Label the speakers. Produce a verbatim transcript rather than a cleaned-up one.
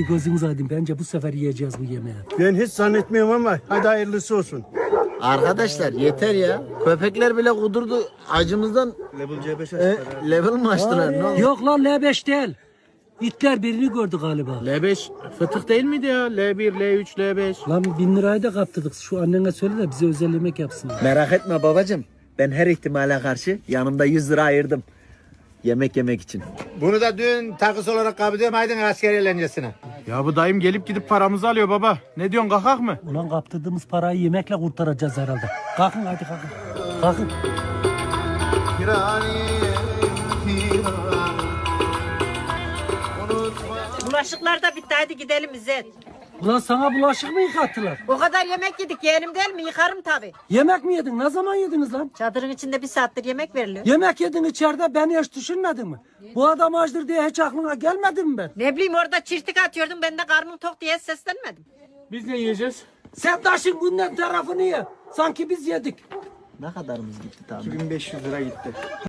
Speaker 1: Hadi gözünüz aydın. Bence bu sefer yiyeceğiz bu yemeği.
Speaker 2: Ben hiç zannetmiyorum ama hadi hayırlısı olsun.
Speaker 3: Arkadaşlar yeter ya. Köpekler bile kudurdu. Acımızdan
Speaker 2: Level C beş
Speaker 3: e, level mi açtılar? Ne oldu?
Speaker 1: Yok lan L beş değil. İtler birini gördü galiba.
Speaker 4: L beş fıtık değil miydi ya? L bir, L üç, L beş.
Speaker 1: Lan bin lirayı da kaptırdık. Şu annene söyle de bize özel yemek yapsın.
Speaker 3: Merak etme babacığım. Ben her ihtimale karşı yanımda yüz lira ayırdım. Yemek yemek için.
Speaker 5: Bunu da dün takısı olarak kabul ediyorum. Aydın asker eğlencesine.
Speaker 4: Ya bu dayım gelip gidip paramızı alıyor baba. Ne diyorsun, kalkak mı?
Speaker 1: Ulan kaptırdığımız parayı yemekle kurtaracağız herhalde. Kalkın hadi kalkın. Kalkın.
Speaker 6: Bulaşıklar da bitti, hadi gidelim İzzet.
Speaker 1: Ulan sana bulaşık mı yıkattılar?
Speaker 6: O kadar yemek yedik, yeğenim değil mi? Yıkarım tabii.
Speaker 1: Yemek mi yedin? Ne zaman yediniz lan?
Speaker 6: Çadırın içinde bir saattir yemek veriliyor.
Speaker 1: Yemek yedin içeride, beni hiç düşünmedin mi? Bu adam açtır diye hiç aklına gelmedi mi ben?
Speaker 6: Ne bileyim, orada çirtik atıyordum, ben de karnım tok diye seslenmedim.
Speaker 4: Biz ne yiyeceğiz?
Speaker 1: Sen taşın bundan tarafını ye. Sanki biz yedik.
Speaker 3: Ne kadarımız gitti tahmin?
Speaker 2: bin beş yüz lira gitti.